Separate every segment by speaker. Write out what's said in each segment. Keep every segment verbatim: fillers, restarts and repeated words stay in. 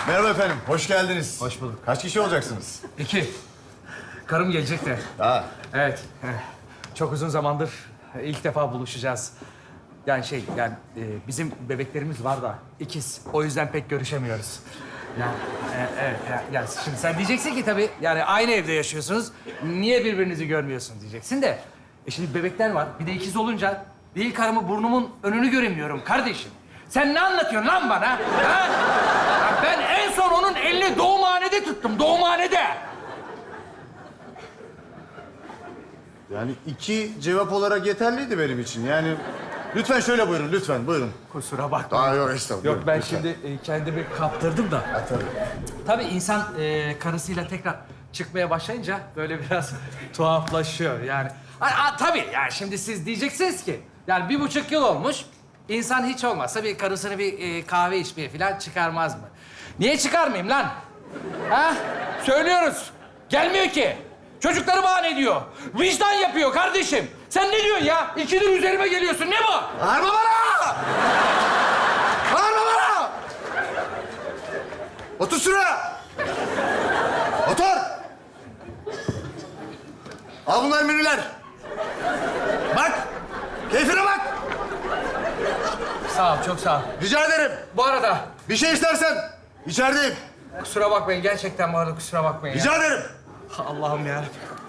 Speaker 1: Merhaba efendim, hoş geldiniz.
Speaker 2: Hoş bulduk.
Speaker 1: Kaç kişi olacaksınız?
Speaker 2: İki. Karım gelecek de.
Speaker 1: Ha,
Speaker 2: Evet. eh, Çok uzun zamandır ilk defa buluşacağız. Yani şey, yani e, bizim bebeklerimiz var da ikiz. O yüzden pek görüşemiyoruz. Yani, e, evet, ya, yani şimdi sen diyeceksin ki tabii, yani aynı evde yaşıyorsunuz. Niye birbirinizi görmüyorsunuz diyeceksin de. E şimdi bebekler var, bir de ikiz olunca değil karımı burnumun önünü göremiyorum kardeşim. Sen ne anlatıyorsun lan bana? Ha? Ya ben en son onun elini doğumhanede tuttum, doğumhanede.
Speaker 1: yani iki cevap olarak yeterliydi benim için. Yani lütfen şöyle buyurun, lütfen buyurun.
Speaker 2: Kusura bakma.
Speaker 1: Aa, yok estağfurullah.
Speaker 2: Yok, ben
Speaker 1: lütfen.
Speaker 2: şimdi e, kendimi kaptırdım da.
Speaker 1: Ha, tabii.
Speaker 2: Tabii insan e, karısıyla tekrar çıkmaya başlayınca böyle biraz tuhaflaşıyor yani. Ha, ha, tabii yani şimdi siz diyeceksiniz ki, yani bir buçuk yıl olmuş, insan hiç olmazsa bir karısını bir e, kahve içmeye falan çıkarmaz mı? Niye çıkarmayayım lan? Ha? Söylüyoruz. Gelmiyor ki. Çocukları bahane ediyor. Vicdan yapıyor kardeşim. Sen ne diyorsun ya? İkidir üzerime geliyorsun. Ne bu?
Speaker 1: Bağırma bana! Bağırma bana! Otur şuraya! Otur! Al bunlar menüler. Bak! Keyfine bak!
Speaker 2: Sağ ol, çok sağ ol.
Speaker 1: Rica ederim.
Speaker 2: Bu arada
Speaker 1: Bir şey istersen içerideyim.
Speaker 2: kusura bakmayın, gerçekten bu arada kusura bakmayın ya.
Speaker 1: Rica ederim.
Speaker 2: Allah'ım ya.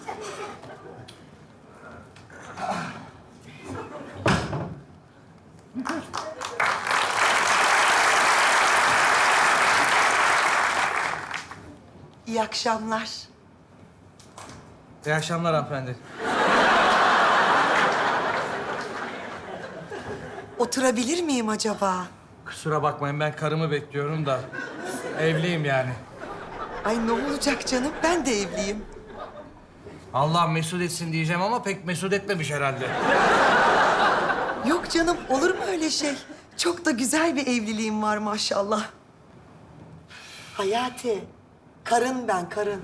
Speaker 3: İyi akşamlar.
Speaker 2: İyi akşamlar hanımefendi.
Speaker 3: Oturabilir miyim acaba?
Speaker 2: Kusura bakmayın, ben karımı bekliyorum da evliyim yani.
Speaker 3: Ay ne olacak canım? Ben de evliyim.
Speaker 2: Allah mesut etsin diyeceğim ama pek mesut etmemiş herhalde.
Speaker 3: Yok canım, olur mu öyle şey? Çok da güzel bir evliliğim var maşallah. Hayati, karın ben, karın.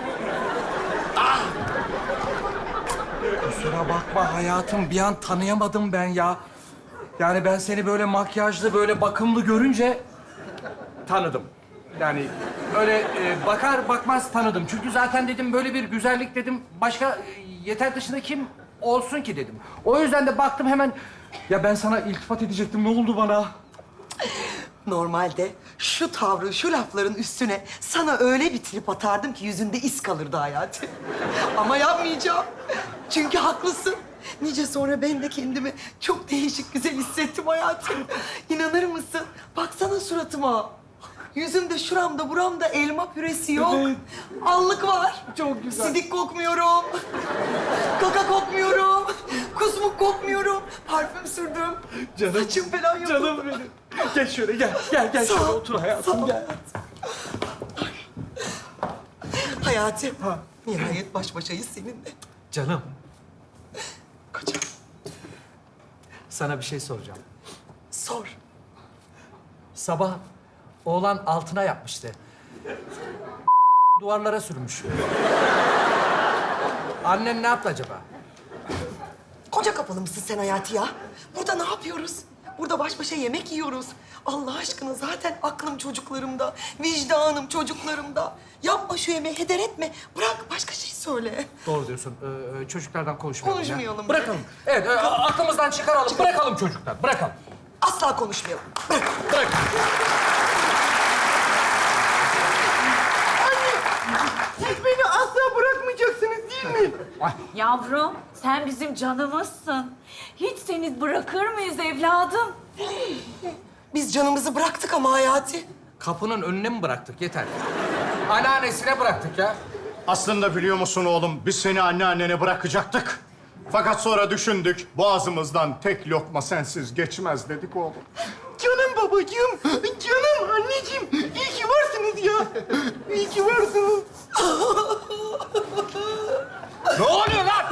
Speaker 2: Kusura bakma hayatım, bir an tanıyamadım ben ya. Yani ben seni böyle makyajlı, böyle bakımlı görünce tanıdım. Yani öyle e, bakar bakmaz tanıdım. Çünkü zaten dedim böyle bir güzellik dedim, başka e, yeter dışında kim olsun ki dedim. O yüzden de baktım hemen, ya ben sana iltifat edecektim, ne oldu bana?
Speaker 3: Normalde şu tavrı, şu lafların üstüne sana öyle bir trip atardım ki yüzünde iz kalırdı Hayati. Ama yapmayacağım. Çünkü haklısın. Nice sonra ben de kendimi çok değişik güzel hissettim hayatım. İnanır mısın? Baksana suratıma. Yüzümde, şuramda, buramda elma püresi yok.
Speaker 2: Evet.
Speaker 3: Allık var.
Speaker 2: Çok güzel.
Speaker 3: Sidik kokmuyorum. Kaka kokmuyorum. Kusmuk kokmuyorum. Parfüm sürdüm.
Speaker 2: Canım,
Speaker 3: Saçım falan yok.
Speaker 2: Canım benim. Gel şöyle, gel. Gel, gel
Speaker 3: Sağ
Speaker 2: şöyle
Speaker 3: ol,
Speaker 2: otur hayatım,
Speaker 3: sağ ol.
Speaker 2: gel.
Speaker 3: Hayati,
Speaker 2: Ha.
Speaker 3: nihayet baş başayız seninle.
Speaker 2: Canım,
Speaker 3: Kocam,
Speaker 2: sana bir şey soracağım.
Speaker 3: sor.
Speaker 2: Sabah oğlan altına yapmıştı. Duvarlara sürmüş. Annen ne yaptı acaba?
Speaker 3: Koca kapalı mısın sen Hayati ya? Burada ne yapıyoruz? Burada baş başa yemek yiyoruz. Allah aşkına zaten aklım çocuklarımda, vicdanım çocuklarımda. Yapma şu yemeği, heder etme. Bırak, başka şey söyle.
Speaker 2: Doğru diyorsun. Ee, çocuklardan konuşmayalım. ya.
Speaker 3: Konuşmayalım.
Speaker 2: Bırakalım. Evet, e, aklımızdan çıkaralım. Bırakalım çocuklar. Bırakalım.
Speaker 3: Asla konuşmayalım. Bırak.
Speaker 2: Bırak.
Speaker 3: Siz beni asla bırakmayacaksınız değil mi?
Speaker 4: Yavrum, sen bizim canımızsın. Hiç seni bırakır mıyız evladım?
Speaker 3: Biz canımızı bıraktık ama Hayati.
Speaker 2: Kapının önüne mi bıraktık? Yeter. Anneannesine bıraktık ya.
Speaker 1: Aslında biliyor musun oğlum, biz seni anneannene bırakacaktık. Fakat sonra düşündük, boğazımızdan tek lokma sensiz geçmez dedik oğlum.
Speaker 3: Canım babacığım, canım anneciğim. İyi ki varsınız ya. İyi ki varsınız.
Speaker 2: Ne oluyor lan?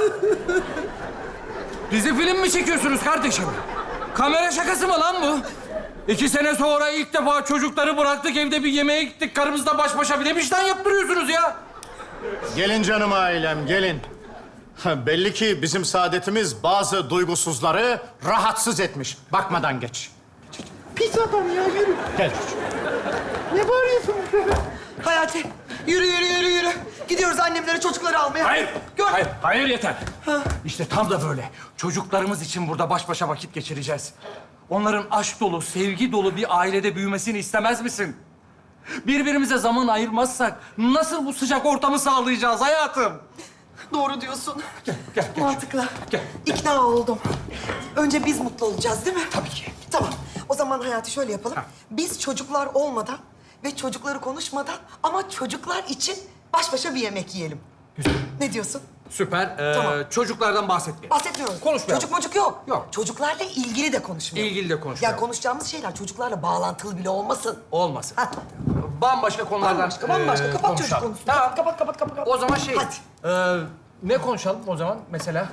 Speaker 2: Dizi film mi çekiyorsunuz kardeşim? Kamera şakası mı lan bu? İki sene sonra ilk defa çocukları bıraktık, evde bir yemeğe gittik. Karımızla baş başa bir de vicdan yaptırıyorsunuz ya.
Speaker 1: Gelin canım ailem, gelin. Ha, belli ki bizim saadetimiz bazı duygusuzları rahatsız etmiş. Bakmadan geç.
Speaker 3: Pis adam ya, yürü.
Speaker 1: Gel çocuğum.
Speaker 3: Ne bağırıyorsun? Hayati, yürü yürü yürü yürü. Gidiyoruz annemlere çocukları almaya.
Speaker 2: Hayır.
Speaker 3: Gör.
Speaker 2: Hayır, hayır yeter. İşte tam da böyle. Çocuklarımız için burada baş başa vakit geçireceğiz. Onların aşk dolu, sevgi dolu bir ailede büyümesini istemez misin? Birbirimize zaman ayırmazsak nasıl bu sıcak ortamı sağlayacağız hayatım?
Speaker 3: Doğru diyorsun.
Speaker 2: Gel, gel, gel.
Speaker 3: Mantıklı.
Speaker 2: Gel.
Speaker 3: İkna oldum. Önce biz mutlu olacağız değil mi?
Speaker 2: Tabii ki.
Speaker 3: Tamam. O zaman Hayati şöyle yapalım.
Speaker 2: Ha.
Speaker 3: Biz çocuklar olmadan ve çocukları konuşmadan ama çocuklar için baş başa bir yemek yiyelim.
Speaker 2: Güzel.
Speaker 3: Ne diyorsun?
Speaker 2: Süper. Ee,
Speaker 3: Tamam.
Speaker 2: Çocuklardan bahsetmeyelim.
Speaker 3: Bahsetmiyoruz.
Speaker 2: Konuşmayalım.
Speaker 3: Çocuk mocuk yok.
Speaker 2: Yok.
Speaker 3: Çocuklarla ilgili de konuşmayalım.
Speaker 2: İlgili de konuşmayalım.
Speaker 3: Ya konuşacağımız şeyler çocuklarla bağlantılı bile olmasın.
Speaker 2: Olmasın.
Speaker 3: Ha.
Speaker 2: Bambaşka konulardan
Speaker 3: Bambaşka, bambaşka.
Speaker 2: ee,
Speaker 3: Kapat çocuk
Speaker 2: konuşalım.
Speaker 3: konusunu.
Speaker 2: Tamam.
Speaker 3: Kapat, kapat, kapat, kapat.
Speaker 2: O zaman şey...
Speaker 3: Hadi.
Speaker 2: ee, ne konuşalım o zaman mesela?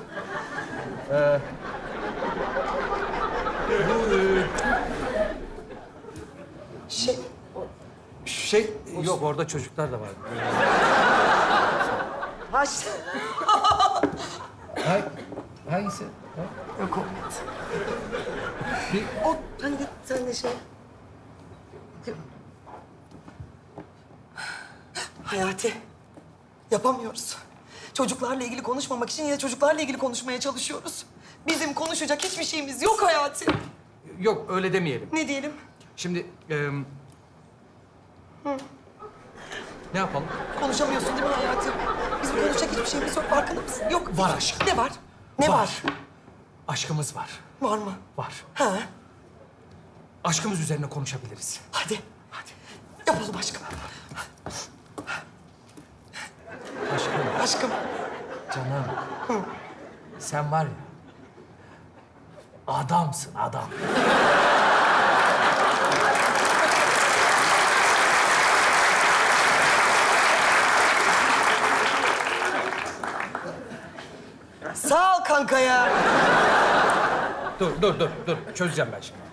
Speaker 3: Şey,
Speaker 2: Şey... Yok orada çocuklar da var.
Speaker 3: ha işte.
Speaker 2: Hay, hangisi?
Speaker 3: Yok olmadı. O hani de sen de şey... Hayati, yapamıyoruz. Çocuklarla ilgili konuşmamak için yine çocuklarla ilgili konuşmaya çalışıyoruz. Bizim konuşacak hiçbir şeyimiz yok Hayati.
Speaker 2: Yok öyle demeyelim.
Speaker 3: Ne diyelim?
Speaker 2: Şimdi... ee, ne yapalım?
Speaker 3: Konuşamıyorsun değil mi Hayati? Bizim konuşacak hiçbir şeyimiz yok, farkında mısın? Yok.
Speaker 2: Var aşkım.
Speaker 3: Ne var? Ne var? Var,
Speaker 2: Aşkımız var.
Speaker 3: var mı?
Speaker 2: Var.
Speaker 3: Ha,
Speaker 2: Aşkımız üzerine konuşabiliriz.
Speaker 3: hadi.
Speaker 2: Hadi.
Speaker 3: Yapalım aşkım.
Speaker 2: Aşkım,
Speaker 3: Aşkım.
Speaker 2: canım. Sen var ya... Adamsın adam.
Speaker 3: Sağ ol kanka ya.
Speaker 2: Dur, dur, dur, dur. Çözeceğim ben şimdi.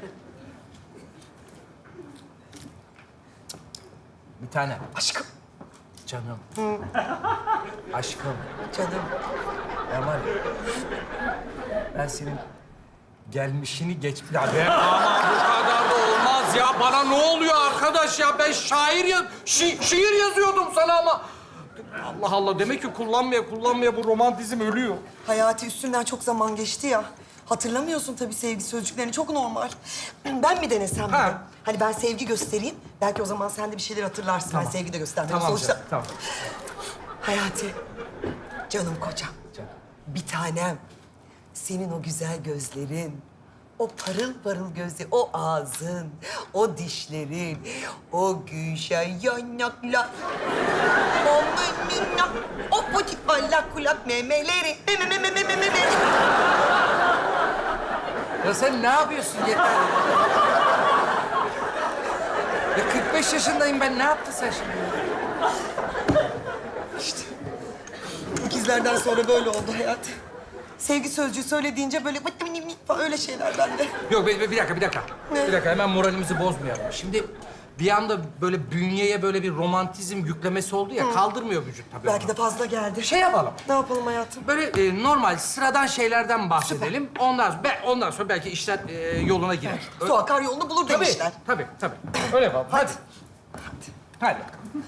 Speaker 2: Bir tane.
Speaker 3: Aşkım.
Speaker 2: Canım. Aşkım.
Speaker 3: Canım.
Speaker 2: Ben var ya... Ben senin gelmişini geç... Ya be ama bu kadar da olmaz ya. Bana ne oluyor arkadaş ya? Ben şair ya... Şi şiir yazıyordum sana ama... Allah Allah. Demek ki kullanmaya kullanmaya bu romantizm ölüyor.
Speaker 3: Hayati üstünden çok zaman geçti ya. Hatırlamıyorsun tabii sevgi sözcüklerini. Çok normal. Ben mi denesem
Speaker 2: Ha.
Speaker 3: bunu? Hani ben sevgi göstereyim. Belki o zaman sen de bir şeyler hatırlarsın. Ben sevgi de gösterdim.
Speaker 2: Tamam
Speaker 3: Sonuçta...
Speaker 2: canım, tamam.
Speaker 3: Hayati, canım kocam.
Speaker 2: Canım.
Speaker 3: Bir tanem. Senin o güzel gözlerin, o parıl parıl gözleri, o ağzın, o dişlerin, o gülşen yanaklar, o minnak, o butik allak kulak memeleri, meme meme meme meme.
Speaker 2: Ya sen ne yapıyorsun yeter? Ya kırk beş yaşındayım ben. Ne yaptın sen şimdi?
Speaker 3: İkizlerden sonra böyle oldu Hayati. Sevgi sözcüğü söylediğince böyle falan öyle şeyler bende.
Speaker 2: Yok bir, bir dakika, bir dakika.
Speaker 3: Ne?
Speaker 2: Bir dakika hemen moralimizi bozmayalım. Şimdi bir anda böyle bünyeye böyle bir romantizm yüklemesi oldu ya, kaldırmıyor vücut tabii
Speaker 3: Belki
Speaker 2: onu.
Speaker 3: de fazla geldi.
Speaker 2: Şey yapalım.
Speaker 3: Ne yapalım hayatım?
Speaker 2: Böyle e, normal, sıradan şeylerden bahsedelim. Ondan sonra, be- ondan sonra belki işler e, yoluna girer. Ö-
Speaker 3: Su akar yolunu bulur
Speaker 2: Tabii,
Speaker 3: demişler.
Speaker 2: tabii, tabii. Öyle yapalım. Hadi. Hadi.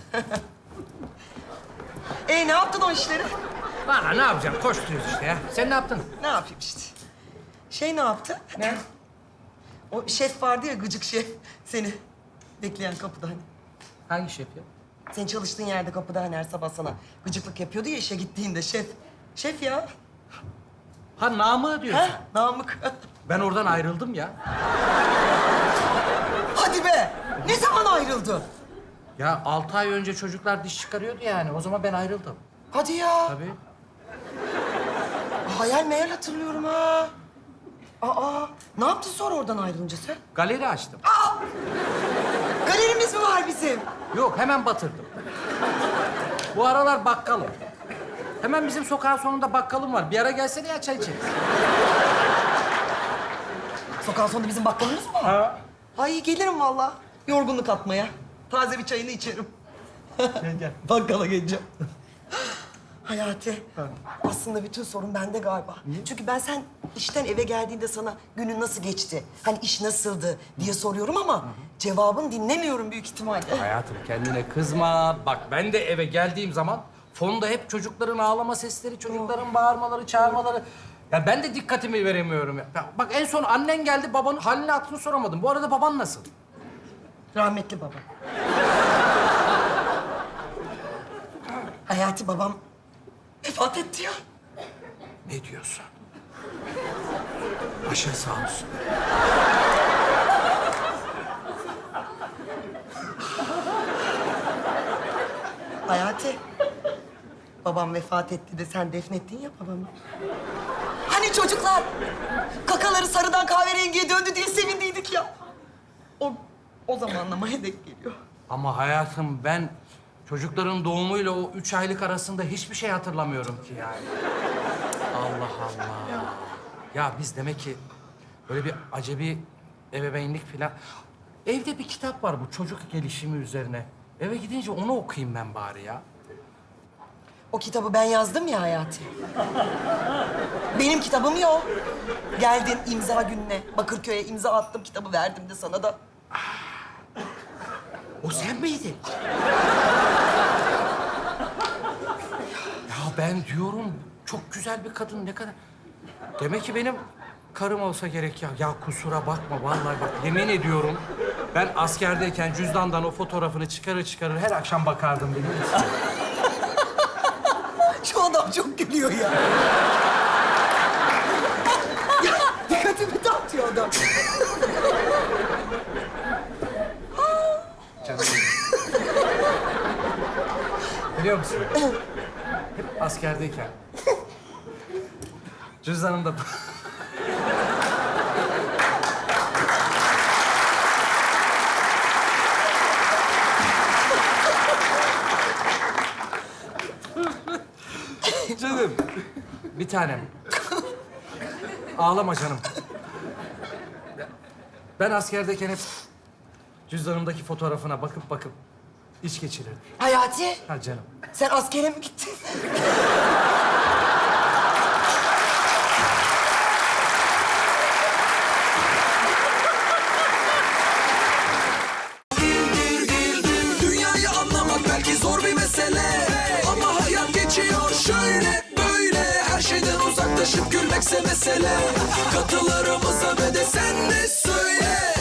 Speaker 3: E ne yaptın o işleri?
Speaker 2: Valla ne yapacağım? Koşturuyoruz işte ya. Sen ne yaptın?
Speaker 3: Ne yapayım işte. Şey ne yaptı?
Speaker 2: Ne?
Speaker 3: O şef vardı ya, gıcık şef. Seni bekleyen kapıda hani.
Speaker 2: Hangi şef ya?
Speaker 3: Senin çalıştığın yerde kapıda hani her sabah sana gıcıklık yapıyordu ya işe gittiğinde şef. Şef ya.
Speaker 2: Ha Namık diyorsun.
Speaker 3: Ha? Namık.
Speaker 2: Ben oradan ayrıldım ya.
Speaker 3: Hadi be. Ne zaman ayrıldı?
Speaker 2: Ya altı ay önce çocuklar diş çıkarıyordu yani. O zaman ben ayrıldım.
Speaker 3: Hadi ya.
Speaker 2: Tabii.
Speaker 3: Hayal meyal hatırlıyorum ha. Aa, ne yaptın sonra oradan ayrılınca sen?
Speaker 2: Galeri açtım.
Speaker 3: Galerimiz mi var bizim?
Speaker 2: Yok, hemen batırdım. Bu aralar bakkalım. Hemen bizim sokağın sonunda bakkalım var. Bir ara gelsene ya, çay içeriz.
Speaker 3: Sokağın sonunda bizim bakkalımız mı var?
Speaker 2: Ha.
Speaker 3: Ay gelirim vallahi. Yorgunluk atmaya. Taze bir çayını içerim.
Speaker 2: Gel gel.
Speaker 3: Bakkala geleceğim. Hayati, aslında bütün sorun bende galiba. Çünkü ben sen işten eve geldiğinde sana günün nasıl geçti, hani iş nasıldı diye soruyorum ama cevabını dinlemiyorum büyük ihtimalle.
Speaker 2: Hayatım kendine kızma. Bak ben de eve geldiğim zaman fonda hep çocukların ağlama sesleri, çocukların bağırmaları, çağırmaları. Ya ben de dikkatimi veremiyorum ya. Ya bak en son annen geldi, babanın halini hatırını soramadım. Bu arada baban nasıl?
Speaker 3: Rahmetli babam. Hayati babam vefat etti ya.
Speaker 2: Ne diyorsun? Başın sağ olsun.
Speaker 3: Hayati, babam vefat etti de sen defnettin ya babamı. Hani çocuklar kakaları sarıdan kahverengiye döndü diye sevindiydik ya. O, o zamanlamaya denk geliyor.
Speaker 2: Ama hayatım ben çocukların doğumuyla o üç aylık arasında hiçbir şey hatırlamıyorum ki yani. Allah Allah. Ya biz demek ki böyle bir acebi ebeveynlik falan... Evde bir kitap var bu çocuk gelişimi üzerine. Eve gidince onu okuyayım ben bari ya.
Speaker 3: O kitabı ben yazdım ya Hayati. Benim kitabım ya o. Geldin imza gününe, Bakırköy'e imza attım, kitabı verdim de sana da.
Speaker 2: O sen miydin? Ya ben diyorum çok güzel bir kadın ne kadar... Demek ki benim karım olsa gerek ya. Ya kusura bakma vallahi bak yemin ediyorum. Ben askerdeyken cüzdandan o fotoğrafını çıkarır çıkarır her akşam bakardım biliyor musun?
Speaker 3: Şu adam çok gülüyor ya. Ya dikkatimi dağıtıyor adam.
Speaker 2: Canım benim. Biliyor musun? Hep askerdeyken. Cüzdanımda... Canım. Bir tanem. Ağlama canım. Ben askerdeyken hep cüzdanımdaki fotoğrafına bakıp bakıp iç geçirirdim.
Speaker 3: Hayati,
Speaker 2: Ha canım.
Speaker 3: sen askere mi gittin?
Speaker 5: Dünyayı anlamak belki zor bir mesele, ama hayat geçiyor şöyle böyle. Her şeyden uzaklaşıp gülmekse mesele. Katılarımıza ve de sen de söyle.